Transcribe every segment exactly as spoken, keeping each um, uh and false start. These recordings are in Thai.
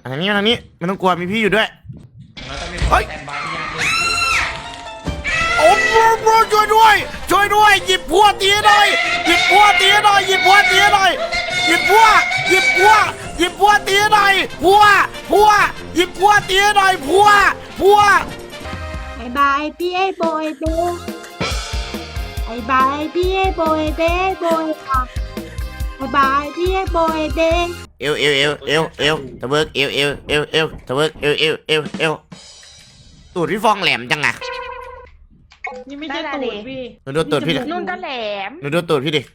ทางนี้ทางนี้ไม่ต้องกลัวมีพี่อยู่ด้วยแล้วก็มีคนแตนบายที่ยังโอ้โหช่วยด้วยช่วยด้วยหยิบพัวตีหน่อยหยิบพัวตีหน่อยหยิบพัวตีหน่อยหยิบพัวหยิบพัวหยิบพัวตีหน่อยพัวพัวหยิบพัวตีหน่อยพัวพัวบายบายพี่ไอ้โบยเบ้บายบายพี่ไอ้โบยเบ้โบยค่ะบายบายพี่ไอ้โบยเบ้เอวเอวเอวเอวเอวตะเบิกเอวเอวเอวเอวตะเบิกเอวเอวเอวเอวตูดพี่ฟองแหลมจังอะนี่ไม่ใช่ตูดพี่หนูดูตูดพี่ดินุ่นก็แหลมหนูดูตูดพี่ดิ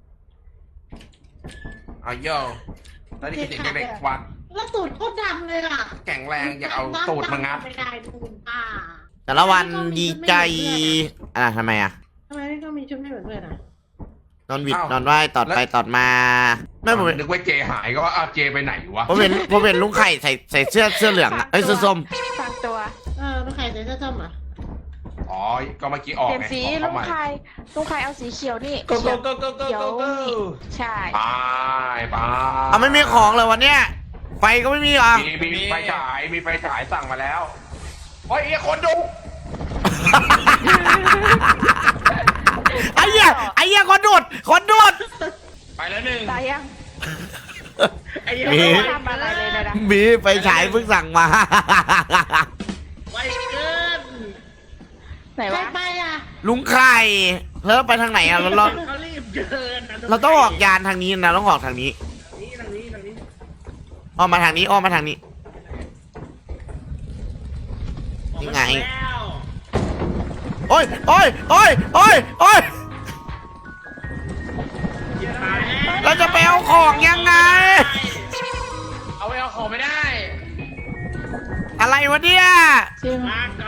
เอาโย่แล้วนี่คือเด็กเด็กวัดแล้วตูดโคตรดำเลยอ่ะแข็งแรงอยากเอาตูดมางับไม่ได้ตูดป้าแต่ละวันดีใจอ่ะทำไมอ่ะทำไมไม่ต้องมีชุดไม่เหมือนเพื่อนอ่ะนอนวิดนอนไหวตอดไปตอดมาไม่ผมนึกว่าเจหายก็ว่าเอาเจไปไหนวะผมเห็นผมเห็นลุงไข่ใส่ใส่เสื้อเสื้อเหลืองอ่ะเอ้ยเสื้อส้มฝากตัวเออลุงไข่ใส่เสื้อส้มอ่ะอ๋อก็เมื่อกี้ออกเปลี่ยนสีลุงไข่ลุงไข่เอาสีเขียวนี่ก็ก็ก็ก็ก็ก็ใช่ไปไปอ่ะไม่มีของเลยวันเนี้ยไฟก็ไม่มีอ่ะมีมีไฟฉายมีไฟฉายสั่งมาแล้วโอ้ยไอ้คนดูไอ้เหี้ยไอ้เหี้ยคนดูดคนดูดไปแล้วหนึ่งตายยังมีไม่ทำอะไรเลยนะมีไฟฉายเพิ่งสั่งมาไวเกินไหนวะไปอ่ะลุงไข่แล้วไปทางไหนอ่ะเราเราเขารีบเกินเราต้องออกยานทางนี้นะต้องออกทางนี้นี่ทางนี้ทางนี้อ้อมมาทางนี้อ้อมมาทางนี้ยังไงโอ้ยโอ้ยโอ้ยโอ้ยโอ้ยเราจะไปเอาของยังไงเอาไปเอาของไม่ได้อะไรวะเนี่ยจริง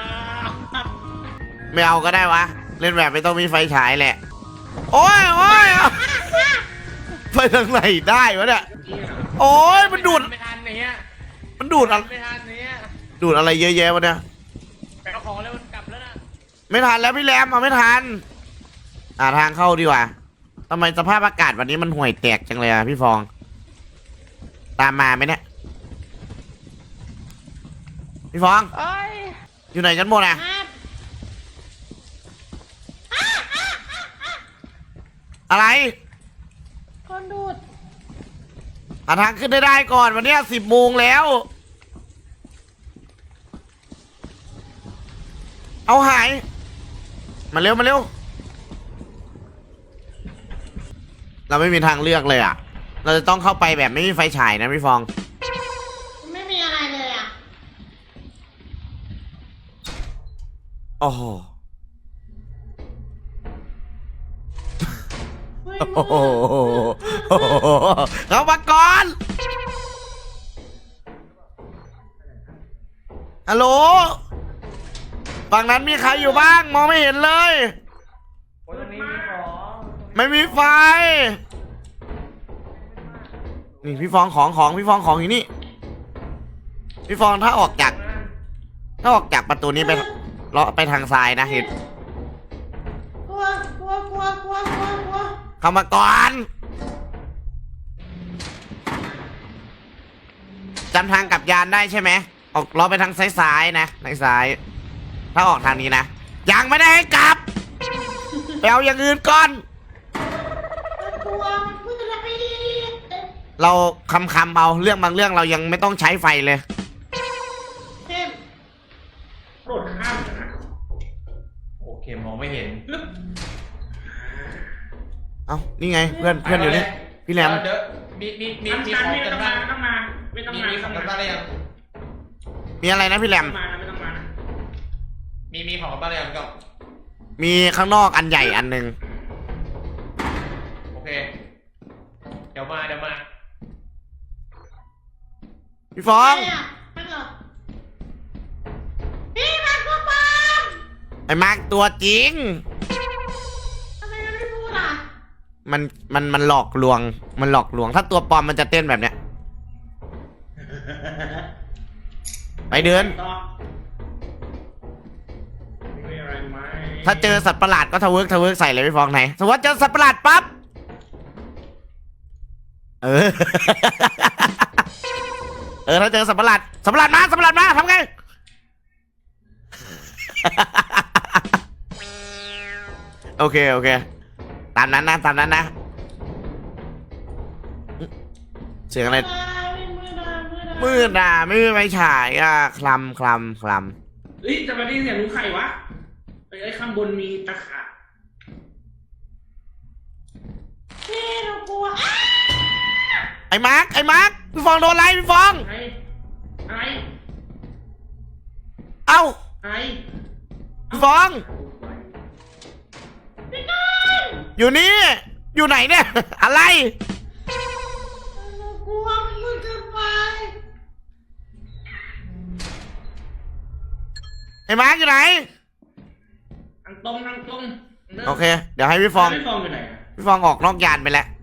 ไม่เอาก็ได้วะเล่นแบบไม่ต้องมีไฟฉายแหละโอ้ยโอ้ยไปทางไหนได้วะเนี่ยโอ้ยมันดูดไม่ทันเนี้ยมันดูดอะไรไม่ทันเนี้ยดูดอะไรเยอะแยะวะเนี่ยไปเอาของแล้วมันกลับแล้วนะไม่ทันแล้วพี่แรมเอาไม่ทันอ่าทางเข้าดีกว่าทำไมสภาพอากาศวันนี้มันห่วยแตกจังเลยอ่ะพี่ฟองตามมาไหมเนี่ยพี่ฟองอยู่ไหนกันหมดอ่ะอะไรคนดูดหาทางขึ้นได้ได้ก่อนวันนี้สิบโมงแล้วเอาหายมาเร็วมาเร็วเราไม่มีทางเลือกเลยอ่ะเราจะต้องเข้าไปแบบไม่มีไฟฉายนะพี่ฟองไม่มีอะไรเลยอ่ะโอ้โหโอ้โหเข้ามาก่อนฮัลโหลฝั่งนั้นมีใครอยู่บ้างมองไม่เห็นเลยไม่มีไฟนี่พี่ฟองของของพี่ฟองของอยู่นี่พี่ฟองถ้าออกจากถ้าออกจากประตูนี้ไปเลาะไปทางซ้ายนะเห็นกลัวกลัวกลัวกลัวกลัวกลัวเข้ามาก่อนจำทางกลับยานได้ใช่ไหมออกเลาะไปทางซ้ายๆนะทางซ้ายถ้าออกทางนี้นะยังไม่ได้ให้กลับไปเอาอย่างอื่นก่อนเราคำคำเอาเรื่องบางเรื่องเรายังไม่ต้องใช้ไฟเลยเข้มโดดข้ามนะโอเคมองไม่เห็นเอ้านี่ไงเพื่อนเพื่อนอยู่นี่พี่แหลมมีมีมีมีของกันบ้างต้องมาไม่ต้องมามีของกันบ้างได้ยังมีอะไรนะพี่แหลมไม่ต้องมามีมีของกันบ้างได้ยังก็มีข้างนอกอันใหญ่อันหนึ่งโอเคเดี๋ยวมาเดี๋ยวมาพี่ฟองพี่มาร์คตัวปลอมไอ้มาร์คตัวจริงทำไมมันไม่พูดอ่ะมันมันมันหลอกลวงมันหลอกลวงถ้าตัวปลอมมันจะเต้นแบบเนี้ยไปเดินถ้าเจอสัตว์ประหลาดก็ทะเวิร์กทะเวิร์กใส่เลยพี่ฟองไหนสมมติว่าเจอสัตว์ประหลาดปั๊บเออเออถ้าเจอสัตว์ประหลาดสัตว์ประหลาดมาสัตว์ประหลาดมาทำไง โอเคโอเคตามนั้นนะตามนั้นนะเสียงอะไรมืดอ่ะไม่มีไฟฉายอ่ะคลำคลำคลเฮ้ยจะมาได้เสียงรู้ใครวะไอ้ไอ้ข้างบนมีตะขาบพี่เรากลัวำไอ้มาร์คไอ้มาร์คพี่ฟองโดนอะไรพี่ฟองอะไรอะไรเอ้าอะไรพี่ฟอง อยู่นี่อยู่ไหนเนี่ย อะไรเรากลัวมันมืดเกินไปไอ้มาร์คอยู่ไหนทางตรงทางตรงโอเคเดี๋ยวให้พี่ฟองไม่ฟองอยู่ไหนอะพี่ฟองออกนอกยานไปแล้ว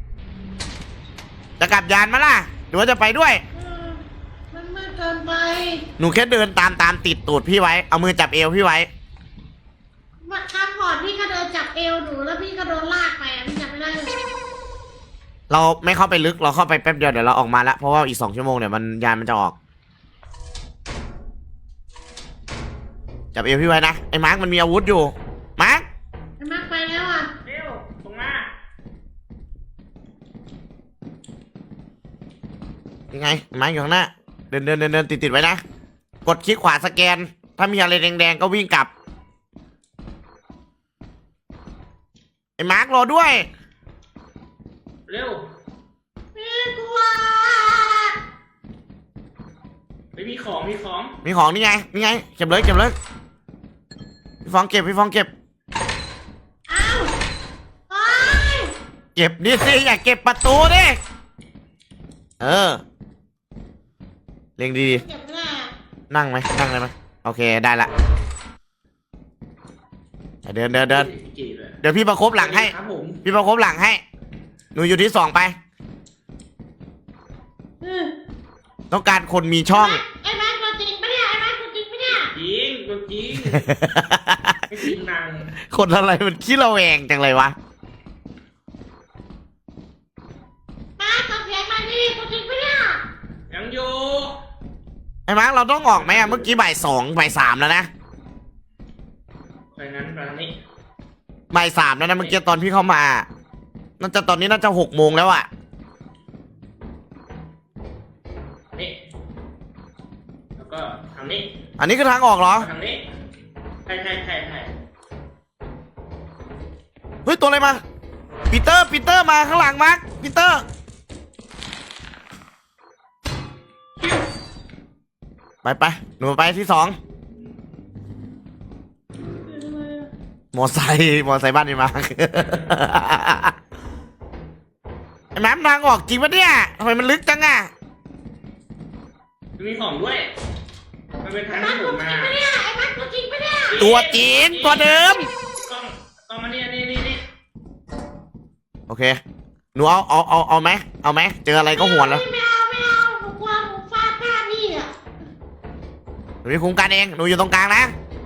จะกลับยานมาล่ะหรือว่าจะไปด้วยเออมันมืดเกินไปหนูแค่เดินตามตามติดตูดพี่ไว้เอามือจับเอวพี่ไว้มาครั้งก่อนพี่ก็เดินจับเอวหนูแล้วพี่ก็โดนลากไปอ่ะพี่จำไม่ได้เลยเราไม่เข้าไปลึกเราเข้าไปแป๊บเดียวเดี๋ยวเราออกมาละเพราะว่าอีกสองชั่วโมงเนี่ยมันยานมันจะออกจับเอวพี่ไว้นะไอ้มาร์คมันมีอาวุธอยู่มาร์คไอ้มากไปแล้วอ่ะเร็วตรงมายังไงไอ้มาร์คอยู่ข้างหน้าเดินเดินเดินเดินติดติดไว้นะกดคลิกขวาสแกนถ้ามีอะไรแดงๆก็วิ่งกลับไอ้มาร์ครอด้วยเร็วพี่กลัวไม่มีของมีของมีของนี่ไงนี่ไงเก็บเลยเก็บเลยพี่ฟองเก็บพี่ฟองเก็บอ้าวโอ๊ยเก็บนี่สิอย่าเก็บประตูดิเออเรียงดีเจ็บแน่ๆนั่งไหมนั่งเลยไหมโอเคได้ละเดินเดินเดินจีบเลยเดี๋ยวพี่ประคบหลังให้ครับผมพี่ประคบหลังให้หนูอยู่ที่สองไปเออต้องการคนมีช่องไอ้แม็กตัวจริงปะเนี่ยไอ้แม็กตัวจริงปะเนี่ยจริงตัวจริงไม่จริงนางคนอะไรมันขี้ระแวงจังเลยวะแม็กตัวเสียงมาดิตัวจริงปะเนี่ยยังอยู่ไอ้มาร์คเราต้องออกไหมอะเมื่อกี้บ่ายสองบ่ายสามแล้วนะไปนั้นไปนี้บ่ายสามแล้วนะเมื่อกี้ตอนพี่เข้ามาน่าจะตอนนี้น่าจะหกโมงแล้วอะนี่แล้วก็ทางนี้อันนี้คือทางออกเหรอทางนี้ใช่ใช่ใช่ใช่เฮ้ยตัวอะไรมาปีเตอร์ปีเตอร์มาข้างหลังมาร์คปีเตอร์ไปไปหนูไปที่สองมอไซค์มอไซค์บ้านนี่มา ไอ้แม่มทางออกจริงปะเนี่ยทำไมมันลึกจังอะมีของด้วยมันเป็นทางแม็ที่กผตัวมจริมางปะเนี่ยไอ้แม็กตัวจริงปะเนี่ยตัวจริงตัวเดิมกล้องกล้องมาเนี่ยนี่นี่นี่โอเคหนูเอาเอาเอาเอาไหมเอาไหมเจออะไรก็หัวแล้วไม่เอาไม่เอาหนูกลัวหนูฟาดหน้าพี่อ่ะหนูมีคุ้มกันเองหนูอยู่ตรงกลางนะ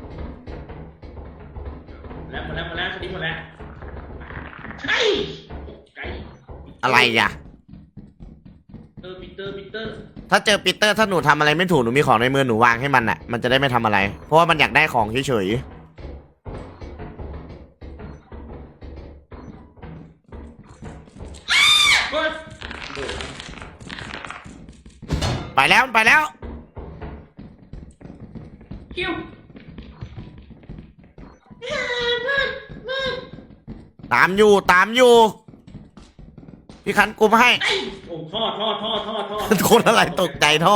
แล้วหมดแล้วหมดแล้วคดีหมดแล้วไก่ไก่อะไรอ่ะเออปีเตอร์ปีเตอร์ถ้าเจอปีเตอร์ถ้าหนูทำอะไรไม่ถูกหนูมีของในมือหนูวางให้มันอ่ะมันจะได้ไม่ทำอะไร เพราะว่ามันอยากได้ของเฉยเฮ้ยๆไปแล้วไปแล้วคิวเออมืดมืดตามอยู่ตามอยู่พี่คันกุมให้ไอ้โอ้ท่อท่อท่อท่อท่อคนอะไรตกใจท่อ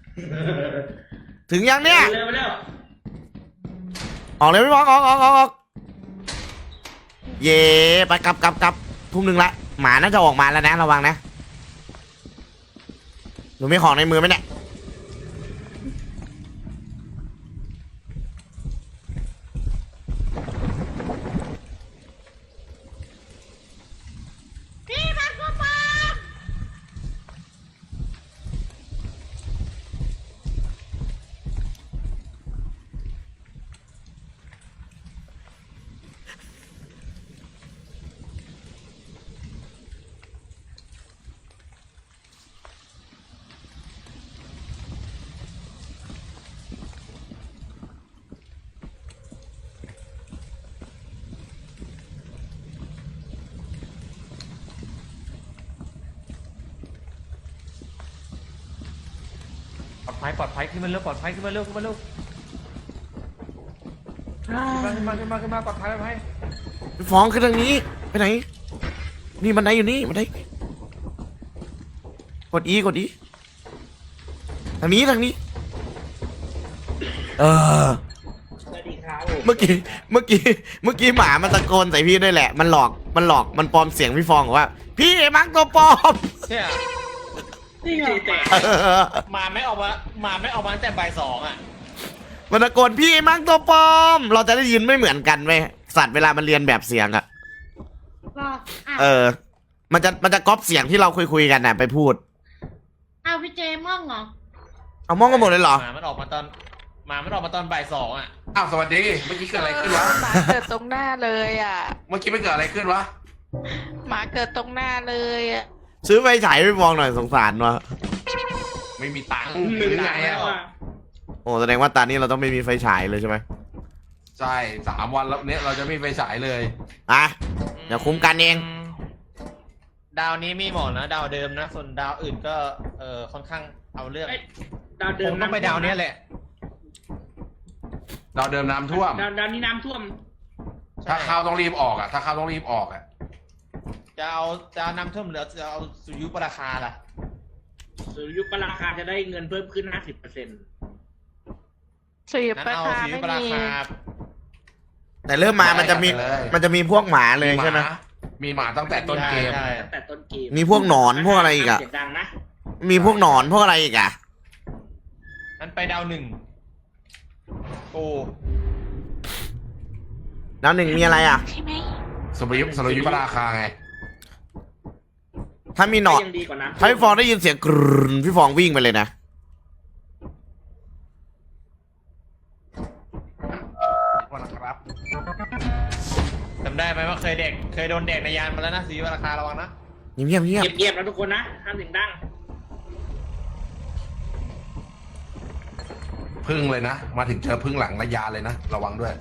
ถึงยังเนี่ยเร็วเร็วออกเลยพี่บอลออกออกออกออกเย่ไปกลับกลับกลับทุ่มหนึ่งละหมาน่าจะออกมาแล้วนะระวังนะหนูมีของในมือไหมเนี่ยพี่แม็กตัวปลอมปลอดภัยปลอดภัยขึ้นมาเร็วปลอดภัยขึ้นมาเร็วขึ้นมาเร็วขึ้นมาขึ้นมาขึ้นมาขึ้นมาปลอดภัยปลอดภัยพี่ฟองขึ้นทางนี้ไปไหนนี่บันไดอยู่นี่บันไดกดอีกดอีทางนี้ทางนี้เออสวัสดีครับผมเมื่อกี้เมื่อกี้เมื่อกี้หมามันตะโกนใส่พี่ด้วยแหละมันหลอกมันหลอกมันปลอมเสียงพี่ฟองบอกว่า พี่มังตัวปลอมเนี่ยจริงเหรอแต่เออมาไม่ออกมามาไม่ออกมาตั้งแต่บ่ายสองอ่ะมันตะโกนพี่มังตัวปลอม เราจะได้ยินไม่เหมือนกันเว้ยสัตว์เวลามันเรียนแบบเสียงอะรออ่ะเออ มันจะมันจะก๊อปเสียงที่เราคุยคุยๆกันน่ะไปพูดเอาพี่เจม่องเหรอเอามองกันหมดเลยเหรอหมามันออกมาตอนหมามันออกมาตอนบ่ายสองอ่ะอ้าวสวัสดี เมื่อกี้เกิดอะไรขึ้นวะหมาเกิดตรงหน้าเลยอ่ะเมื่อกี้ไม่เกิดอะไรขึ้นวะหมาเกิดตรงหน้าเลยอ่ะซื้อไฟฉายให้พี่ฟองหน่อยสงสารวะไม่มีตังค์หหนึ่รืงอไงแล้อะวอ่ะโอ้แสดงว่าตอนนี้เราต้องไม่มีไฟฉายเลยใช่ไหมใช่สามวันแล้วเนี้ยเราจะไม่ไปฉายเลยอ่ะเดี๋ยวคุ้มกันเองดาวนี้มีหมอนนะดาวเดิมนะส่วนดาวอื่นก็เออค่อนข้างเอาเรื่องเอ้ยดาวเดิผม มต้องไปดาวเนี้ยแหละเราเดิมน้ำท่วมดาวดาวนี้น้ำท่วมถ้าเข้าต้องรีบออกอ่ะ ถ้าเข้าต้องรีบออกอ่ะจะเอาจะเอานำเท่าหรือจะเอาสุริยุปราคาล่ะสุริยุปราคาจะได้เงินเพิ่มขึ้น ห้าสิบเปอร์เซ็นต์สุริยุนั้นปราเอาคาสุริยุไม่ปรามีคาแต่เริ่มมามันจะมีมันจะมีพวกหมาเลยใช่ไหมมีหมาตั้งแต่ต้นเกมใช่ตั้งแต่ต้นเกมมีพวกหนอนพวกอะไรอีกอะเสียงดังนะมีพวกหนอนพวกอะไรอีกอะนั้นไปดาวหนึ่งโอ้แล้วหนึ่งมีอะไรอะใช่ไหมสมยุสมยุปราคาไงถ้ามีหนอนยังดีกว่าน้ำถ้าพี่ฟองได้ยินเสียงกรึนพี่ฟองวิ่งไปเลยนะนะครับจำได้ไหมว่าเคยเด็กเคยโดนเด็กในยานมาแล้วนะสุริยุปราคาระวังนะเงียบเงียบเงียบเงียบๆนะทุกคนนะห้ามเสียงดังพึ่งเลยนะ มาถึงเจอพึ่งหลังระยะเลยนะ ระวังด้วย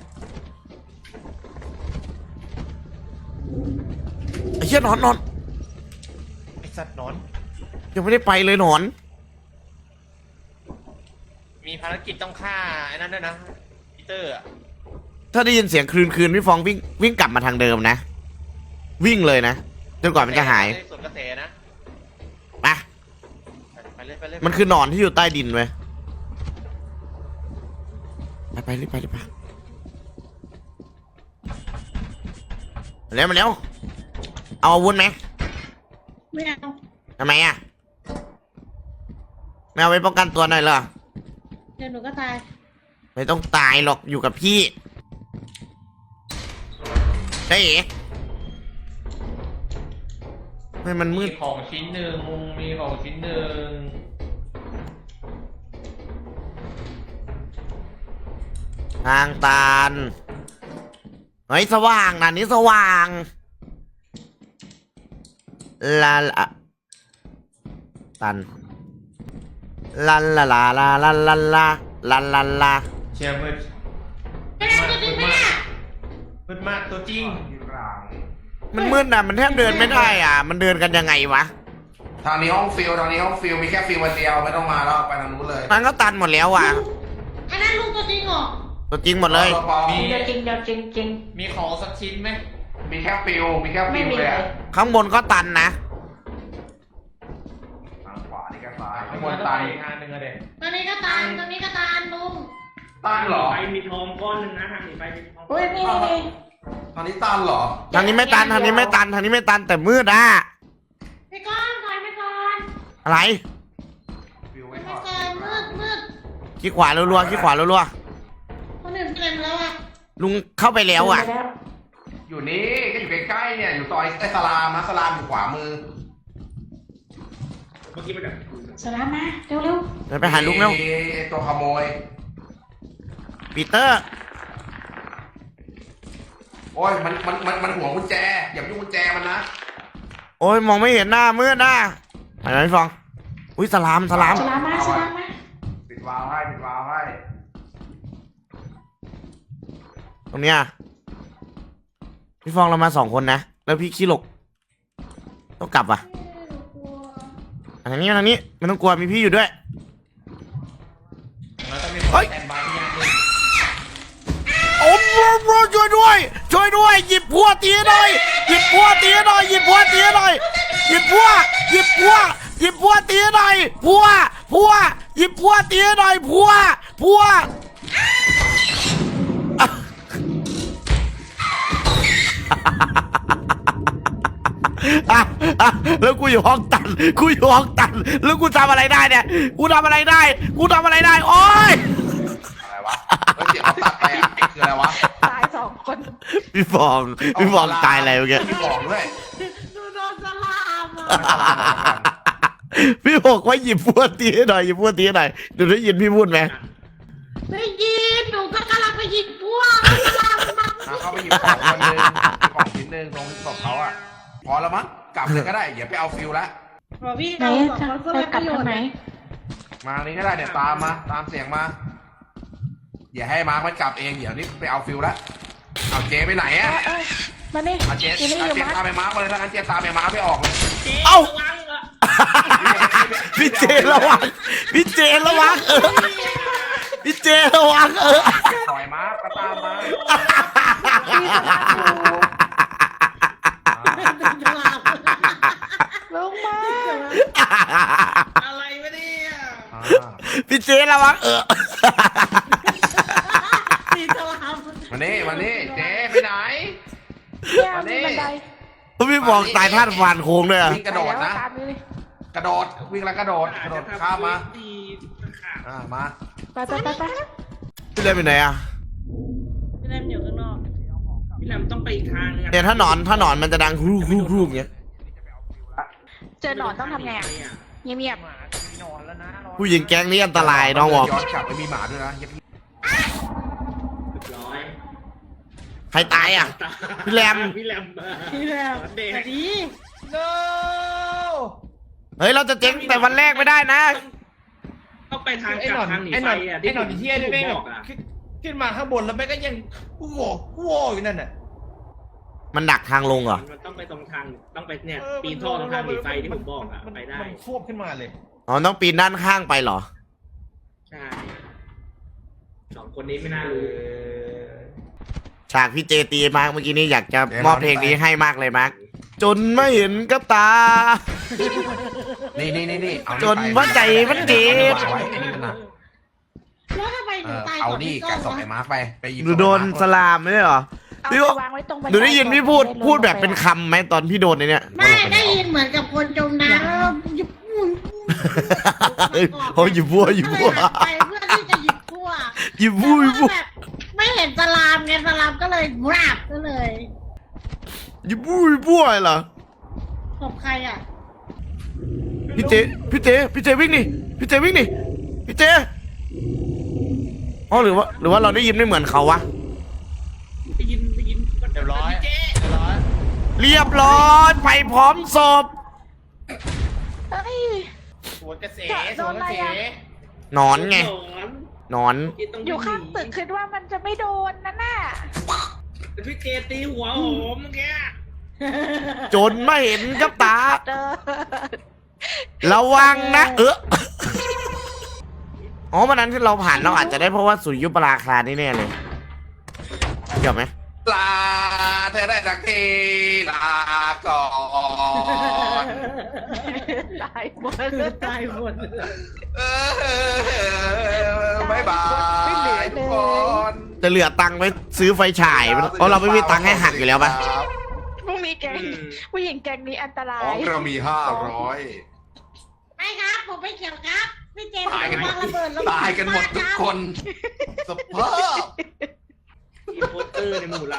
ไอ้เหี้ยหนอนหนอนไอสัตว์หนอนยังไม่ได้ไปเลยหนอนมีภารกิจต้องฆ่าไอ้นั่นด้วยนะปีเตอร์อะถ้าได้ยินเสียงคลืนคลืนพี่ฟองวิ่งวิ่งกลับมาทางเดิมนะ วิ่งเลยนะจนกว่ามันจะหายส่วนกระแสนะไปไปเลยไปเลยมันคือหนอนที่อยู่ใต้ดินเว้ยไปไปรีบไปรีบไปมาเร็วมาเร็วเอาอาวุธไหมไม่เอาทำไมอ่ะไม่เอาไว้ป้องกันตัวหน่อยเหรอเดี๋ยวหนูก็ตายไม่ต้องตายหรอกอยู่กับพี่ได้เอ๋ไม่มันมืมีดของชิ้นหนึ่งมีของชิ้นหนึ่งทางตันเฮ้ยสว่างนะนี้สว่างลาลาตันลาลาลาลาลาลาลาลาลาลาเชียร์มืดไม่ได้ตัวจริงไหมเนี่ยมืดมากตัวจริงมันมืดนะมันแทบเดินไม่ได้อ่ะ มันเดินกันยังไงวะทางนี้ห้องฟิลทางนี้ห้องฟิลมีแค่ฟิลวันเดียวไม่ต้องมาแล้วไปทางนู้นเลยมันก็ตันหมดแล้วอ่ะอันนั้นลุงตัวจริงเหรอตัวจริงหมดเลยมีเดี๋ยวจริงเดี๋ยวจริงจริงมีของสักชิ้นไหมมีแค่ฟิลมีแค่ไม่ฟิลมีเลยเลอะยข้างบนก็ตันนะทางขวานี่ก็ตายข้างบมันนต้องตายไปอีกทางหนึ่งอะเด็กตอนนี้ก็ตานตอนนี้ก็ตานลุงตันเหรอไปมีทองก้อนหนึ่งนะทางหนีไปมีทองก้อุ้อย นนี่นี่ตอนนี้ตันเหรอทางนี้ไม่ตันทางนี้ไม่ตันทางนี้ไม่ตันแต่มืดอ่ะไปก่อนถอยไปก่อนอะไรฟิลไปไม่ทก่ออนดมืดมืดขี้ขวารัวๆขี้ขวารัวคนอื่นเต็มแล้วอ่ะๆลุงเข้าไปแล้วอ่ะอยู่นี่ก็อยู่ใกล้ๆเนี่ย อยู่ซอยไอ้สลามนะสลามอยู่ขวามือเมื่อกี้มันแบบสลามมาเร็วเร็วเดินไปหาลุงแล้วมีไอ้ตัวขโมยปีเตอร์โอ้ยมันมันมันมันห่วงกุญแจ อย่าไปยุ่งกุญแจมันนะโอ้ยมองไม่เห็นหน้ามืดหน้าไหนไหนฟองอุ้ยสลามสลามสลามมาสลามมาปิดวาล์วให้ปิดวาล์วให้ตรงเนี้ยพี่ฟองเรามาสองคนนะแล้วพี่ขี้หลกต้องกลับอ่ะหนูกลัวทางนี้ทางนี้ไม่ต้องกลัวมีพี่อยู่ด้วยเป็นเฮ้ยแตนบายที่ยังเลยโอ้โหช่วยด้วยช่วยด้วยหยิบพัวตีหน่อยหยิบพัวตีหน่อยหยิบพัวตีหน่อยหยิบพัวหยิบพัวหยิบพัวตีหน่อยพัวพัวหยิบพัวตีหน่อยพัวพัวอ่ะอ่ะแล้วกูอยู่ห้องตันกูอยู่ห้องตันแล้วกูทำอะไรได้เนี่ยกูทำอะไรได้กูทำอะไรได้โอ๊ยอะไรวะเฮ้ยเสียงเขาตัดไปอ่ะคืออะไรวะตายสองคนพี่ฟองพี่ฟองตายอะไรเมื่อกี้พี่บอกด้วยดูโดนสลามอ่ะพี่บอกว่าหยิบพวดตีให้หน่อยหยิบพวดตีให้หน่อยเดี๋ยวได้ยินพี่พูดไหมได้ยินหนูก็กำลังไปยิงพวกสลามมาอ่ะเข้าไปหยิบของคนหนึงของชิ้นหนึ่งตรงศพเขาอ่ะพอแล้วมั้งกลับเลยก็ได้อย่าไปเอาฟิลละบอกพี่ไหนเราสองจะคนก็ไปไม่กปลับระโยชทางน์ไหนมานี้ก็ได้เดี๋ยวตามมาตามเสียงมาอย่าให้มาร์คมันกลับเองเดี๋ยวนี้ไปเอาฟิลละเอาเจไปไหนเออ่ะอเออมานี่เอาเจอยู่นี่เอาอยู่เจมั้ตามไปมาร์คมาเลยถ้างั้นเจตามไปมาร์คไม่ออกเลยเอ้าระวังอ่ะพี่เจระวังพี่เจระวังเออพี่เจระวังเออปล่อยมาร์คก็ตามมาลงมาอะไรวะเนี่ยอ่าพี่เจระวังเออสีสลามมานี่มานี่เจไปไหนเนี่ยมานี่มีบันไดพี่บอกตายท่านฟานโค้งด้วยอะวิ่งกระโดดนะไปแล้วตามนี่กระโดดวิ่งแล้วกระโดดกระโดดข้ามมาดีขาดอ่ามาไปไปไปไปพี่เล่นไปไหนอะพี่เล่มอยู่ข้างนอกพี่แหลมต้องไปอีกทางนึงอะเนี่ยถ้าหนอนถ้าหนอนมันจะดังครูครูครูอย่างเงี้ยเจอหนอนต้องทำไงอ่ะเงียบหมาจะมีนอนแล้วนะนอนผู้หญิงแก๊งนี้อันตรายน้องบอกย้อนกลับไปมีหมาด้วยนะอย่าเรียบร้อยใครตายอะ พี่แรมพี่แรมพี่แลมเด็กสวัสดี no เฮ้ยเราจะเจ๊งแต่วันแรกไม่ได้นะต้องไปทางไอ้กหนลัอบ นทางหนีไอ้หไฟนอนอ่ะไอ้หนอนที่เที่ยนี่ผแม่มงบอกแบบอ่ะขึ้นขึ้นมาข้างบนแล้วแม่งก็ยังโว้โว้อยู่นั่นน่ะมันดักทางลงเหรอมันต้องไปตรงทางต้องไปเนี่ยปีนท่อตรงทางหนีไฟที่ผมบอกอ่ะมันไปได้มันควบขึ้นมาเลยอ๋อต้องปีนด้านข้างไปเหรอใช่สองคนนี้ไม่น่าเอรู้อฉากพี่เจตีมาร์กเมื่อกี้นี้อยากจะมอบเพลงนี้ให้มากเลยมาร์กจนไม่เห็นกับตานี่นี่นี่นี่เอาจนว่าใจมันเจ็บเอาไว้ไอ้นี่มันหนักแล้วทำไมหเอนูอตายเอาก่อนนี่พี่แกะโก้ส่งไอ้วะมาร์คไปไปหยิบหนูโดนสลามไม่ใช่เหรอเอาพี่ไปว่าวางไว้ตรงบันหนูได้ยินพี่พูดก่อนพูดแบบเป็นคำไหมตอนพี่โดนในเนี้ยไม่ได้ยินเหมือนกับคนจมน้ำแล้วหยิบพูนเฮ้ยเขาหยิบบัวหยิบบัวไปเพื่อที่จะหยิบพั่วหยิบบัวหยิบบัวแต่ว่าแบบไม่เห็นสลามไงสลามก็เลยกราบก็เลยหยิบบัวหยิบบัวเหรอขอบใครอ่ะพี่เจพี่เจพี่เจวิ่งดิพี่เจวิ่งดิพี่เจอ๋อหรือว่าหรือว่าเราได้ยินไม่เหมือนเขาวะไปยินไปยินเรียบร้อยพี่เจ๊เรียบร้อยเรียบร้อยไปพร้อมศพเอ้ยสวนกระเสโดสวนนกอะไรระเสอะหนอนไงสอนหนอนต้อยู่ข้างตึกคิดว่ามันจะไม่โดนนั่นน่ะพี่เจตีหัวโหมเมื่อกี้จนไม่เห็นกับตาเดินระวังนะ เอออ๋อวันนั้นที่เราผ่านเราอาจจะได้เพราะว่าสุริยุปราคานี่แน่เลยเกี่ยวไหมลาเธอได้สักทีลาก่อนตายหมดตายหมดเออบายบายทุกคนจะเหลือตังค์ไว้ซื้อไฟฉายเพราะเราไม่มีตังค์ให้หักอยู่แล้วปะพวกนี้แกงผู้หญิงแกงนี้อันตราของยเรามีห้าร้อยไม่ครับผมไม่เกี่ยวครับพี่เจมส์ตายกันวางระเบิดลงตายกันหมดทุกคนสภาพอีโปสเตอร์ในหมู่เรา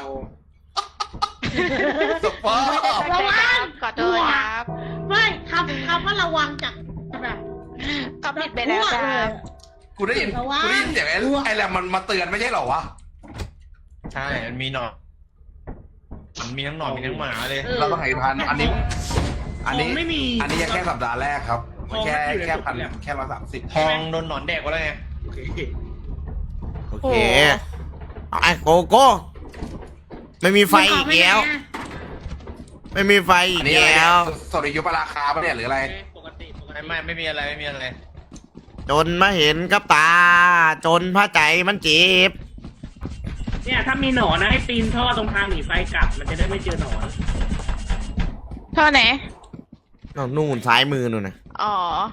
สภาพระวังขอโทษครับไม่คำคำว่าระวังจากแบบก็ผิดไปแล้วครับกูได้ยินกูได้ยินเสียงไอ้ไอ้แหลมมันมาเตือนไม่ใช่เหรอวะใช่ มันมีหนอนมันมีทั้งหนอนมีทั้งหมาเลยเราต้องให้พันอันนี้ อันนี้ไม่มีอันนี้ยังแค่สัปดาห์แรกครับทองแค่มันอยู่ในแค่พันถุงเนี่ยแค่ร้อยสามสิบทองโดนหนอนแดกไปแล้วไงโอเคโอเคเอาไอ้โกโก้ไม่มีไฟอีกแล้วไม่มีไฟอีอักนนี้อะไรแล้เนี่ยว สริยุปราคาปะเนี่ยหรืออะไรปกติปกติไม่ไม่ไม่มีอะไรไม่มีอะไรจนมาเห็นกับตา จนพระใจมันเจ็บเนี่ยถ้ามีหนอนนะให้ปีนท่อตรงทางหนีไฟกลับ มันจะได้ไม่เจอหนอนท่อไหนเอานู่นซ้ายมือนู่นนะอ๋อ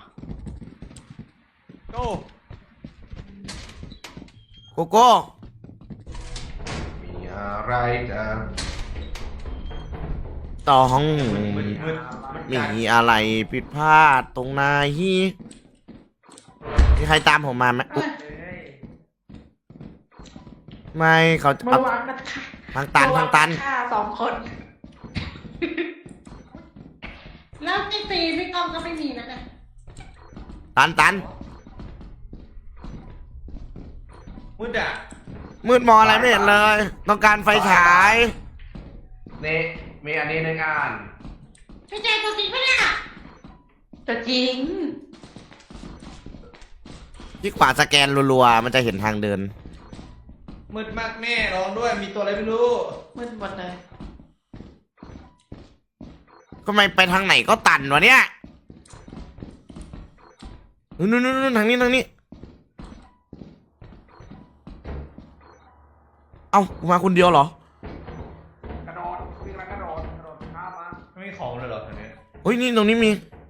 โก้โกโก้มีอะไรจะต้องมืดมืดมืดมีอะไรผิดพลาดตรงไหนมีใครตามผมมาไหมอุ๊ยไม่เขาเมื่เอาอวานมันฆ่าทางตันทางตันฆ่าสองคนแล้วพี่ตีพี่ก้องก็ไม่มีนะเนี่ยตันตันมืดอ่ะมืดมองอะไรไม่เห็นเลย ต้องการไฟฉายนี่มีอันนี้หนึ่งอันพี่เจตัวจริงปะเนี่ยตัวจริงที่ขวาสแกนรัวๆมันจะเห็นทางเดินมืดมากแม่ร้องด้วยมีตัวอะไรไม่รู้มืดหมดเลยก็ไม่ไปทางไหนก็ตันวะเนี่ยนู่นนู่นนู่นทางนี้ทางนี้ เอ้ากูมาคนเดียวเหรอกระโดดวิ่งแล้วกระโดดกระโดดข้ามมาไม่มีของเลยเหรอแถวนี้เฮ้ยนี่ตรงนี้มี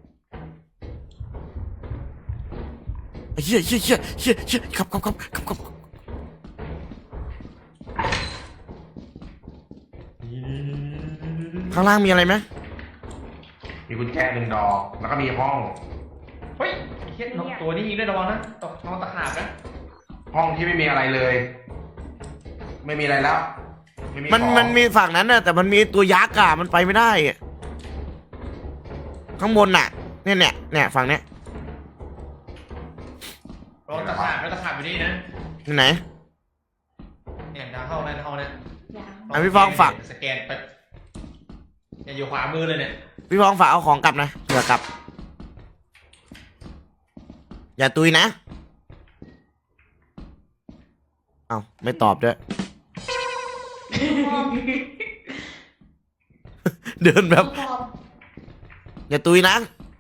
เฮียเฮียเฮียเฮียเฮียขับขับขับขับขับข้างล่างมีอะไรไหมมีกุญแจหนึ่งดอก แล้วก็มีห้องเฮ้ยเฮียนกตัวนี้ยิงด้วยระวังนะตกท้องตะขาบนะห้องที่ไม่มีอะไรเลย ไม่มีอะไรแล้วไมันของมันมีฝั่งนั้นน่ะแต่มันมีตัวยักษ์อ่ะมันไปไม่ได้อะข้างบนน่ะ เนี่ยเนี่ยเนี่ยฝั่งเนี้ยระวังตะขาบแล้วตะขาบอยู่นี่นะที่ไหนเนี่ยทางเข้าในห้องเนี่ยอ่ะพี่ฟองฝากสแกนไปเนี่ยอยู่ขวามือเลยเนี่ยพี่ฟองฝากเอาของกลับนะเผื่อกลับ อย่าตุยนะ เอ้าไม่ตอบด้วย เดินแบบ อย่าตุยนะ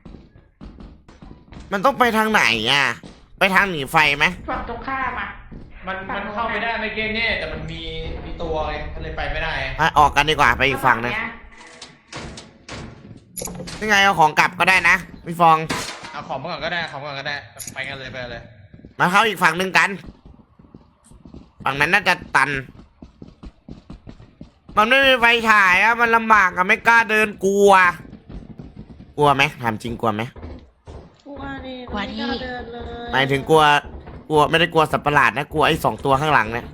มันต้องไปทางไหนอ่ะ ไปทางหนีไฟไหมฝั่งตรงข้ามอ่ะมันมันเข้าไปได้ไม่เก่งเนี่ยแต่มันมีมีตัวไงก็เลยไปไม่ได้อ่ะออกกันดีกว่าไปอีกฝั่งนึงยังไงเอาของกลับก็ได้นะพี่ฟองเอาของมาก่อนก็ได้ของมาก่อนก็ได้ไปกันเลยไปกันเลยมาเข้าอีกฝั่งหนึ่งกัน ฝั่งนั้นน่าจะตัน มันไม่มีไฟฉายอะมันลำบากอะไม่กล้าเดินกลัว กลัวไหมถามจริงกลัวไหมกลัวดิกลัวดิไม่กล้าเดินเลยหมายถึงกลัว กลัวไม่ได้กลัวสัตว์ประหลาดนะกลัวไอ้สองตัวข้างหลังเนี่ย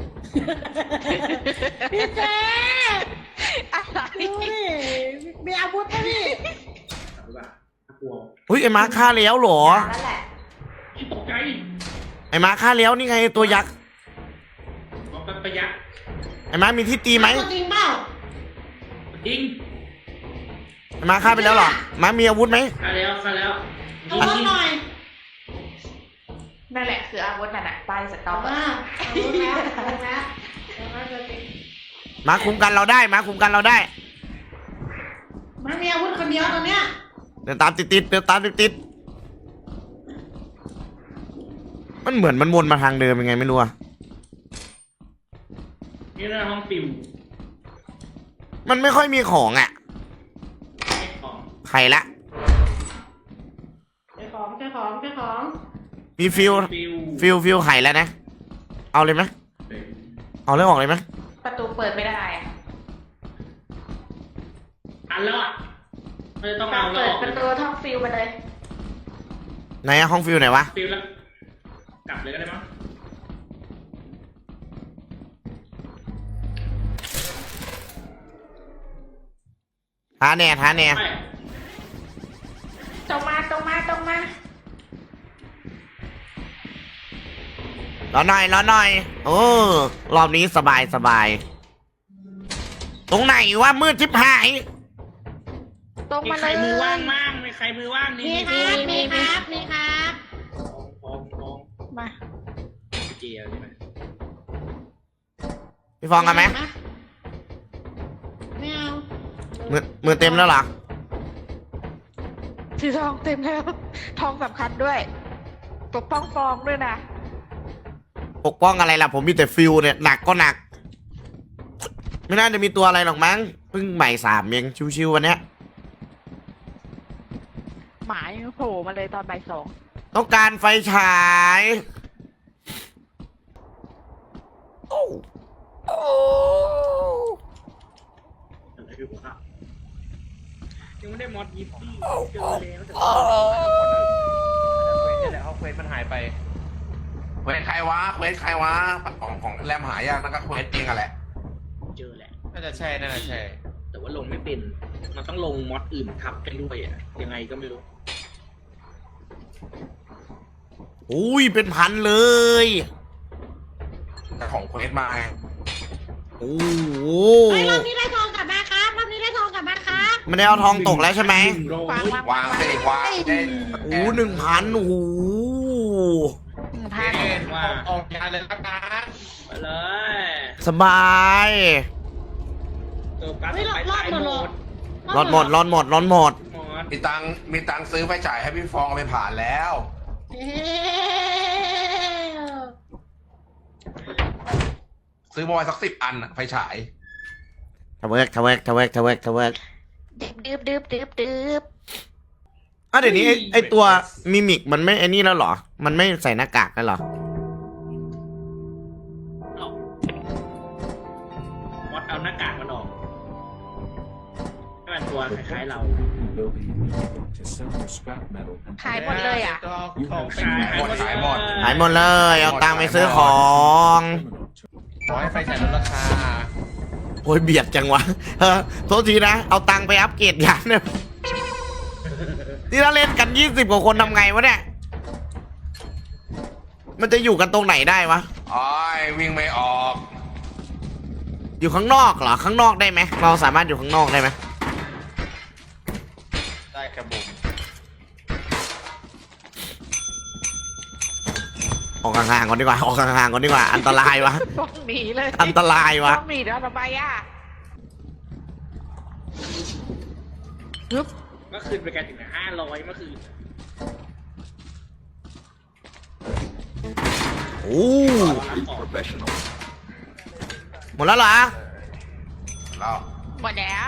พี่เจอะไรดูดิมีอาวุธไหมพี่หรือเปล่าน่ากลัวอุ้ยไอ้มาฆ่าแล้วเหรอนั่นแหละที่ตกใจไอ้มาฆ่าแล้วนี่ไงตัวยักษ์มองเป็นประหยัดไอ้มามีที่ตีไหมตัวจริงเปล่าจริงไอ้มาฆ่าไปแล้วเหรอมามีอาวุธไหมฆ่าแล้วฆ่าแล้วเอาวุธหน่อยนั่นแหละคืออาวุธนั่นแหะป้ายสต็อปเอาอะมาเอาวุธแล้วเอาวุธแล้วเอามาตัวจริงมาคุมกันเราได้มาคุมกันเราได้มันมีอาวุธคนเดียวตอนเนี้ยเดินตามติดติดๆเดินตามติดติดๆมันเหมือนมันวนมาทางเดิมยังไงไม่รู้อะนี่เรื่องห้องปิวมันไม่ค่อยมีของอะเก็บของใครละเจ้าของเจ้าของเจ้าของมีฟิลปิวฟิลฟิลไข่แล้วนะ เอาเลยไหมเอาเรื่องออกเลยไหมประตูเปิดไม่ได้อะอันแล้วอ่ะมันจะต้องเอาแล้วเปิอดอกประตูท่องฟิลไปเลยไหนอะห้องฟิลไหนวะปิวแล้วกลับเลยก็ได้มั้งท้าแน่ท้าแน่ไม่ตรงมาตรงมาตรงมารอหน่อยรอหน่อยโอ้รอบนี้สบายสบายตรงไหนวะมืดชิบหายตรงมีมาใคเลรยมือว่างมั่งมีใครมือว่างนี่มีครับมีครับมีครับของของมาเจียวใช่ไหมพี่ฟองกันไหมไม่เอามือมือเต็มแล้วเหรอสีทองเต็มแล้ว ทองสำคัญด้วยปกป้องฟองด้วยนะปกป้องอะไรล่ะผมมีแต่ฟิลเนี่ยหนักก็หนัก ไม่น่าจะมีตัวอะไรหรอกมั้งเพิ่งใหม่สามเองชิวๆวันเนี้ยหมายังโผล่มาเลยตอนบ่ายสองต้องการไฟฉายโอ้โอ้อะไรอยู่ครับยังไม่ได้มอดยิปปี้เจอแล้วแต่โอ้เควสนี่แหละเขาเควสมันหายไปเควสใครวะเควสใครวะของของแรมหายากนั่นก็เควสเองอะแหละเจอแหละน่าจะใช่น่าจะใช่แต่ว่าลงไม่เป็น มันต้องลงมอดอื่นทับไปด้วยอ่ะยังไงก็ไม่รู้อุ้ยเป็นพันเลยแต่ของเควสมาไงโอ้โหเฮ้ยรอบนี้ได้ทองกลับมาครับรอบนี้ได้ทองกลับมาครับไม่ได้เอาทองตกแล้วใช่ไหมหนึ่งร้อวางยวางวางสิวางได้โอ้หนึ่งพันโอ้โหหนึ่งเพันอ็นว่าออกงานเลยละกันไปเลยสบายตัวการ์ดเฮ้ยไปรอดตายหมดหมเลยดรอดหมดรอดหมดรอดหมดหมดมีตังค์มีตังค์ซื้อไฟฉายให้พี่ฟองเอาไปผ่านแล้วเฮ้ยซื้อมาไว้สักสิบอันอะไฟฉายทะเวิร์กทะเวิร์กทะเวิร์กทะเวิร์กทะเวิร์กดืบดืบดืบดืบอ่ะเดี๋ยวนี้ไอ้ไอตัวมิมิกมันไม่ไอ้นี่แล้วเหรอ มันไม่ใส่หน้ากากแล้วเหรอเอ้ามอดเอาหน้ากากมันออกให้มันตัวคล้ายๆเราหายหมดเลยอ่ะตัวของเป็นหายหมดขายหมดหายหมดเลย เอาตังค์ไปซื้อของขอให้ไฟฉายลดราคาโอ้ยเบียดจังวะเออโทษทีนะ เอาตังค์ไปอัปเกรดยานเนี่ยนี่ถ้าเล่นกันยี่สิบกว่าคนทำไงวะเนี่ย มันจะอยู่กันตรงไหนได้วะอ้อยวิ่งไม่ออกอยู่ข้างนอกเหรอ ข้างนอกได้ไหม เราสามารถอยู่ข้างนอกได้ไหมได้กระบุมออกห่างๆก่อนดีกว่า ออกห่างๆก่อนดีกว่า อันตรายวะต้องหนีเลยอันตรายวะต้องหนีแล้วทำไมอ่ะฮึบเมื่อคืนไปกันถึงห้าร้อยเมื่อคืนโอ้รับของหมดแล้วเหรอแล้วหมดแล้ว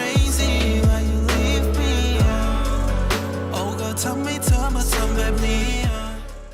ทำให้เธอมาทำแบบนี้